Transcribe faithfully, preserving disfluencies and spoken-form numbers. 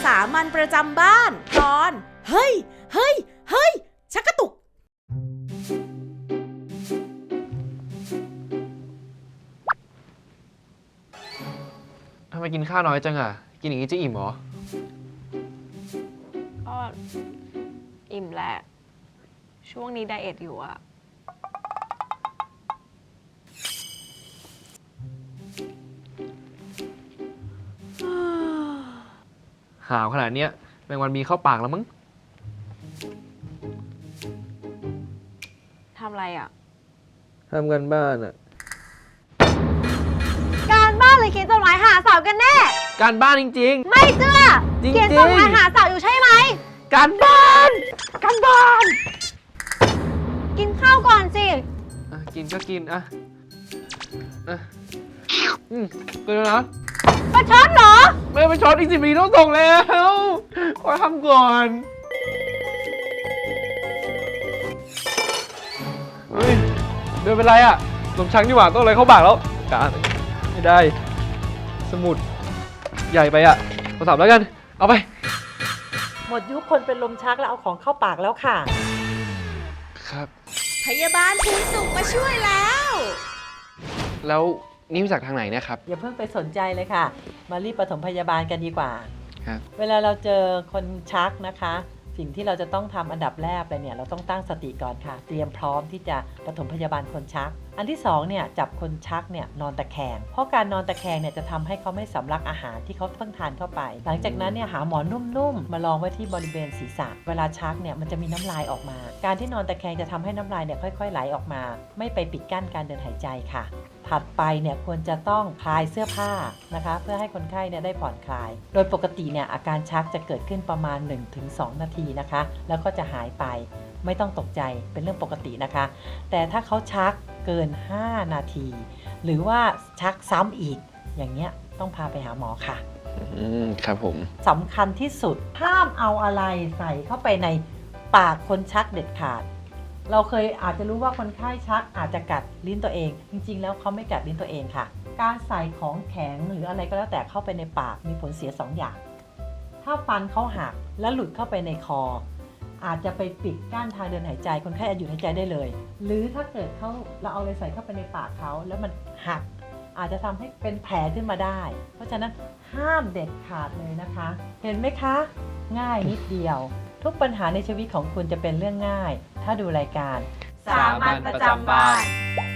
สามัญประจำบ้านตอนเฮ้ยเฮ้ยเฮ้ยชักกระตุกทำไมกินข้าวน้อยจังอ่ะกินอย่างนี้จะอิ่มเหรอก็อิ่มแหละช่วงนี้ไดเอทอยู่อะหาวขนาดเนี้ยแมงวันมีเข้าปากแล้วมั้งทำอะไรอะทำกันบ้านอ่ะการบ้านเลยเขียนจดหมายหาสาวกันแน่การบ้านจริงๆไม่เชื่อจริงๆเขียนจดหมายหาสาวอยู่ใช่ไหมการบ้านการบ้านกินข้าวก่อนสิอ่ะกินก็กินอ่ะอ่ะอืมเกินแล้วนะประชดเหรอไม่ไปช็อตอีกสิบนาทีต้องส่งแล้วขอทำก่อนเฮ้ยเดินเป็นไรอ่ะลมชักนี่หว่าต้องอะไรเข้าปากแล้วการไม่ได้สมุดใหญ่ไปอ่ะโทรศัพท์แล้วกันเอาไปหมดยุคคนเป็นลมชักแล้วเอาของเข้าปากแล้วค่ะครับพยาบาลภูนสุขมาช่วยแล้วแล้วนี่มาจากทางไหนเนี่ยครับอย่าเพิ่งไปสนใจเลยค่ะมารีบปฐมพยาบาลกันดีกว่าครับเวลาเราเจอคนชักนะคะสิ่งที่เราจะต้องทำอันดับแรกเลยเนี่ยเราต้องตั้งสติก่อนค่ะเตรียมพร้อมที่จะปฐมพยาบาลคนชักอันที่สองเนี่ยจับคนชักเนี่ยนอนตะแคงเพราะการนอนตะแคงเนี่ยจะทำให้เขาไม่สำลักอาหารที่เขาเพิ่งทานเข้าไปหลังจากนั้นเนี่ยหาหมอนนุ่มๆมาลองไว้ที่บริเวณศีรษะเวลาชักเนี่ยมันจะมีน้ำลายออกมาการที่นอนตะแคงจะทำให้น้ำลายเนี่ยค่อยๆไหลออกมาไม่ไปปิดกั้นการเดินหายใจค่ะถัดไปเนี่ยควรจะต้องคลายเสื้อผ้านะคะเพื่อให้คนไข้เนี่ยได้ผ่อนคลายโดยปกติเนี่ยอาการชักจะเกิดขึ้นประมาณ หนึ่งถึงสอง นาทีนะคะแล้วก็จะหายไปไม่ต้องตกใจเป็นเรื่องปกตินะคะแต่ถ้าเขาชักเกินห้านาทีหรือว่าชักซ้ำอีกอย่างเงี้ยต้องพาไปหาหมอค่ะอืมครับผมสำคัญที่สุดห้ามเอาอะไรใส่เข้าไปในปากคนชักเด็ดขาดเราเคยอาจจะรู้ว่าคนไข้ชักอาจจะกัดลิ้นตัวเองจริงๆแล้วเขาไม่กัดลิ้นตัวเองค่ะการใส่ของแข็งหรืออะไรก็แล้วแต่เข้าไปในปากมีผลเสียสองอย่างถ้าฟันเขาหักและหลุดเข้าไปในคออาจจะไปปิดกั้นทางเดินหายใจคนไข้อาจหยุดหายใจได้เลยหรือถ้าเกิดเขาเราเอาอะไรใส่เข้าไปในปากเขาแล้วมันหักอาจจะทำให้เป็นแผลขึ้นมาได้เพราะฉะนั้นห้ามเด็ดขาดเลยนะคะเห็นไหมคะง่ายนิดเดียวทุกปัญหาในชีวิตของคุณจะเป็นเรื่องง่ายถ้าดูรายการสามัญประจำบ้าน